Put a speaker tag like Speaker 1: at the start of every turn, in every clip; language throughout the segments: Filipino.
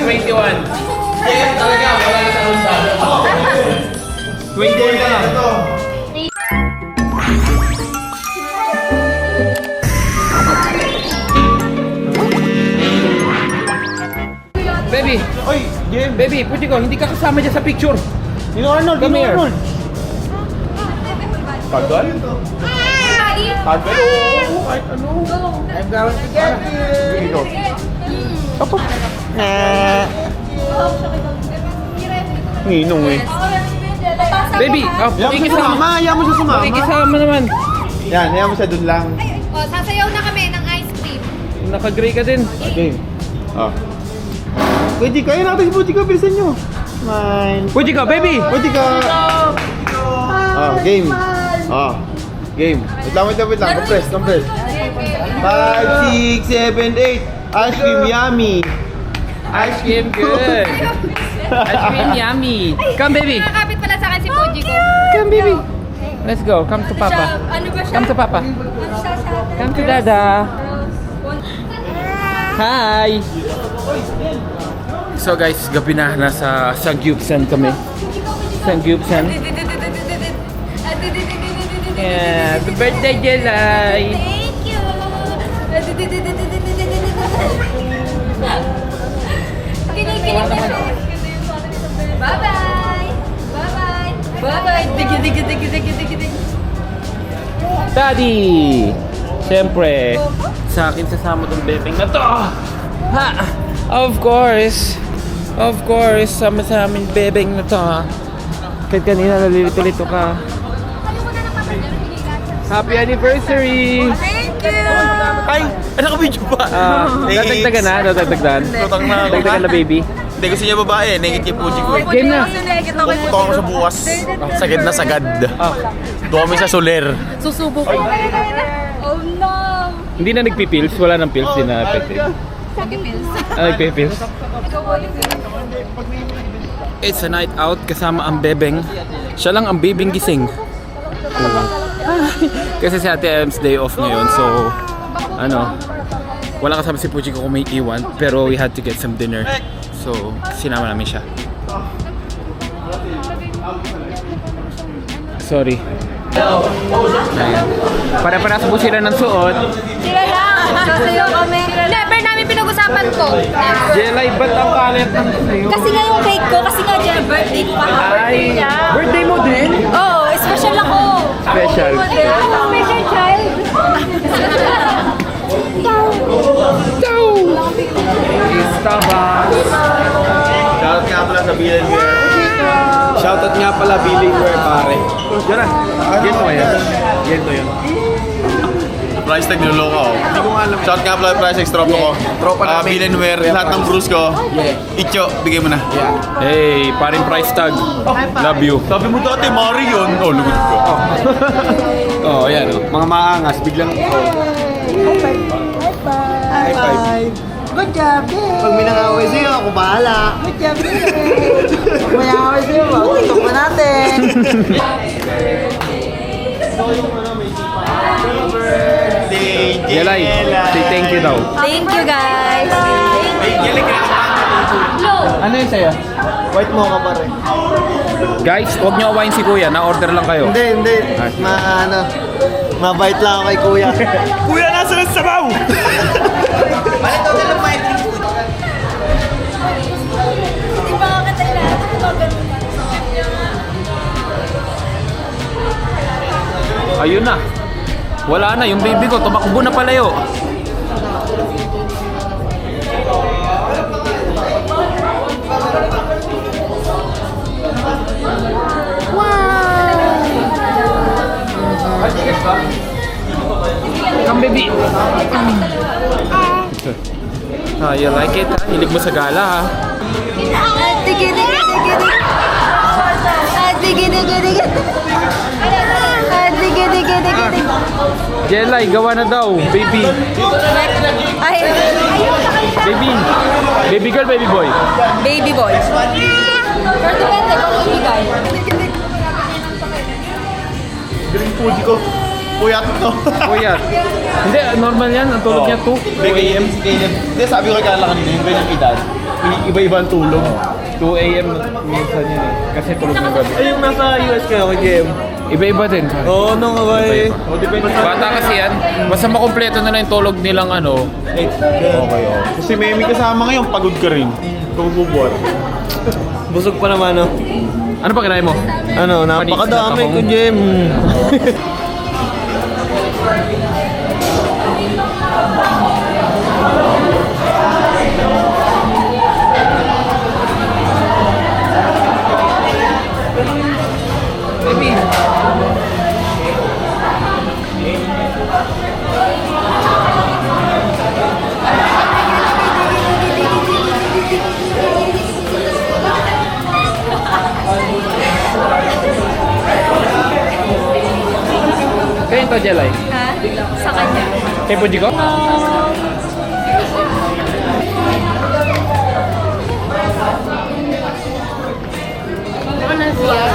Speaker 1: 21. Talaga, wala na sa Honda. 21 ka lang. Baby!
Speaker 2: Oy, Jim!
Speaker 1: Baby, pwede ko, hindi ka kasama dyan sa picture.
Speaker 2: Dino Arnold!
Speaker 1: Come here.
Speaker 2: Tagal? Tagal? Oo, kahit ano.
Speaker 3: I'm going to get you.
Speaker 2: Dito.
Speaker 1: Opo.
Speaker 2: Ninong eh.
Speaker 1: Baby,
Speaker 2: Ayaw mo siya sumama! Ayaw mo siya sumama!
Speaker 1: pakikisama naman.
Speaker 2: Yan, ayaw mo siya dun lang.
Speaker 4: Sasayaw na kami ng ice cream.
Speaker 1: Naka-gray ka din.
Speaker 2: Okay. Oh. Pwede ka, ayun natin si Pwede ka, bilisan nyo. Smile.
Speaker 1: Pwede ka, baby!
Speaker 2: Pwede ka. Game. Game. Wait lang. Compress. 5, 6, 7, 8. Ice cream yummy.
Speaker 1: Ice cream good. Ice cream yummy. Come, baby.
Speaker 4: Nakakapit pala sa akin si Fuji ko.
Speaker 1: Come, baby. Let's go. Come to Papa.
Speaker 4: Ano ba siya?
Speaker 1: Come to Papa.
Speaker 4: Ano siya sa atin?
Speaker 1: Come to Dada. Hi! So guys, gabi na. Nasa Sangyupsan kami. Sangyupsan. Yeah, happy birthday, Jelay!
Speaker 4: Thank you. Kinikilig niya siya. Bye-bye. Bye-bye. Bye-bye. Digi.
Speaker 1: Daddy! Siyempre, sa akin sasama tong bebeng na to. Ha! Of course, sama sa amin bebeng na to. Kahit kanina nalilito-lito ka. Happy anniversary!
Speaker 4: Thank you.
Speaker 2: Ay, naka-video pa.
Speaker 1: Dadagdagan na, dadagdagan.
Speaker 2: Tutang na ako.
Speaker 1: Dagdagan na, baby.
Speaker 2: Hindi, gusto niya babae. Naked kay Puji ko eh.
Speaker 1: Game na.
Speaker 2: Pupunta ako sa bukas. Sagad na sagad. Doon kami sa Soler.
Speaker 4: Susubo ko. Oh no.
Speaker 1: Hindi na nagpipills, wala nang pills, din na effective.
Speaker 4: Sige, pills.
Speaker 1: Nagpipills. It's a night out kasama ang bebeng. Siya lang ang bebeng gising. Kasi si Ate Em's day off ngayon, so wala kasama si Puji ko kung may iwan, pero we had to get some dinner. So, sinama namin siya. Sorry. Ayan. Para-para po sila ng suot.
Speaker 4: Sila lang. Sasayaw kami. Never namin pinag-usapan to. Never.
Speaker 1: Jelay, ba't ang kalit ng sayo?
Speaker 4: Kasi nga yung cake ko, kasi nga dyan, birthday ko pa. Birthday niya.
Speaker 1: Birthday mo din?
Speaker 4: Oo, special ako.
Speaker 1: Special.
Speaker 4: Special child.
Speaker 1: Starbucks.
Speaker 2: Shoutout nga pala sa Billionaire. Shoutout nga pala Billionaire, pare.
Speaker 1: Diyan na. Gento kaya. Gento yun.
Speaker 2: Price tag niloloko ako. Hindi ko nga alam. Shoutout nga pala price tag tropa ko. Tropa namin. Billionaire, lahat ng bruise ko. Icho, bigay mo na.
Speaker 1: Hey, paring price tag. Love you.
Speaker 2: Sabi mo dati, Mari yun. Oh, lugod ko.
Speaker 1: Oh, yan oh.
Speaker 2: Mga maangas, biglang High five.
Speaker 3: Good job, babe.
Speaker 2: Pag may nangaway sa'yo, ako bahala.
Speaker 3: Good job, babe. Pag may away sa'yo, tutok na natin.
Speaker 1: Jelay, say thank you daw.
Speaker 4: Thank you, guys.
Speaker 1: Ano yun sa'yo?
Speaker 2: White mocha pa rin.
Speaker 1: Guys, huwag niyo awayin si Kuya. Na-order lang kayo.
Speaker 2: Hindi. Mabait lang ako kay Kuya. Kuya, nasa ng sabaw! Balik daw na lang may drink food.
Speaker 4: Di ba kakatay lahat? Di ba ganun?
Speaker 1: Ayun na. Wala na. Yung baby ko, tumakbo na palayo. Come, baby. You like it, ha? Hilig mo sa gala, ha? Jelay, gawa na daw, baby.
Speaker 4: Ay,
Speaker 1: Baby. Baby girl, baby boy.
Speaker 4: baby boy. Pero depende kung ibigay.
Speaker 2: Drink Fuji ko. Kuya to.
Speaker 1: Kuya. Hindi, normal yan. Ang tulog niya 2 a.m.
Speaker 2: Hindi, sabi ko kay Carla kanina, yung ganyang edad. iba-iba ang tulog.
Speaker 1: 2 a.m. minsan yun eh. Kasi tulog ng gabi.
Speaker 3: Ay, yung nasa US kayo kay JM.
Speaker 1: Iba-iba din.
Speaker 3: Oo, no, okay.
Speaker 1: Bata kasi yan. Basta makumpleto na yung tulog nilang ano.
Speaker 2: Okay, okay. Kasi may kasama ngayon, pagod ka rin. Kung bubuhat.
Speaker 3: Busog pa naman, no?
Speaker 1: Ano pa kinain mo?
Speaker 3: Ano, napakadami ko, Jem.
Speaker 1: Kayo to, Jelay?
Speaker 4: Ha? Sa kanya.
Speaker 1: Kay Puji ko?
Speaker 4: Ano siya?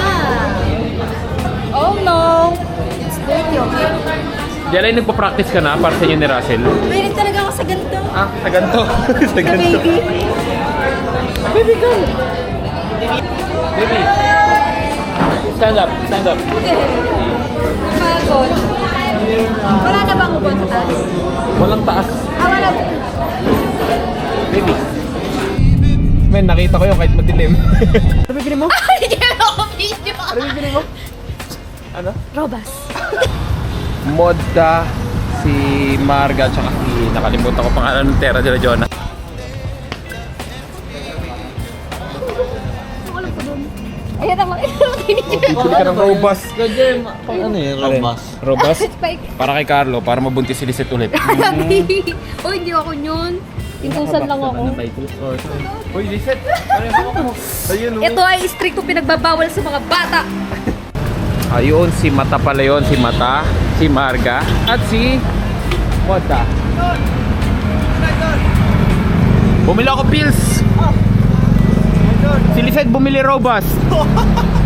Speaker 4: Oh no! It's dirty, okay?
Speaker 1: Jelay, nagpa-practice ka na para sa inyo ni Russell?
Speaker 4: Mahilig talaga ako sa ganito.
Speaker 1: Ah, sa ganito. Sa ganito.
Speaker 4: Baby.
Speaker 1: Baby, go! Baby. Stand up, stand up.
Speaker 4: Pagod. Wala na bang ubon sa taas?
Speaker 1: Walang taas.
Speaker 4: Wala.
Speaker 1: Baby. Men, nakita ko yun kahit madilim. Ano bibili mo?
Speaker 4: Hindi ako video.
Speaker 1: Ano bibili mo? Ano?
Speaker 4: Robas.
Speaker 1: Modda, si Marga, tsaka si nakalimutan ko pangalan ng Terra de la Jona.
Speaker 4: Ayan ako.
Speaker 1: Bibili ka ng robas.
Speaker 3: Ano yun, Robas?
Speaker 1: Robas?
Speaker 4: Spike.
Speaker 1: Para kay Carlo, para mabuntis si Lisette ulit.
Speaker 4: Oh, hindi ako yun. Intusan lang ako.
Speaker 1: Uy, Lisette! Ayun,
Speaker 4: Ito ay stricto pinagbabawal sa mga bata.
Speaker 1: ayun, si Mata pala yun. Si Mata, si Marga, at si Modda. Bumili ako pills! Si Lisette bumili robas.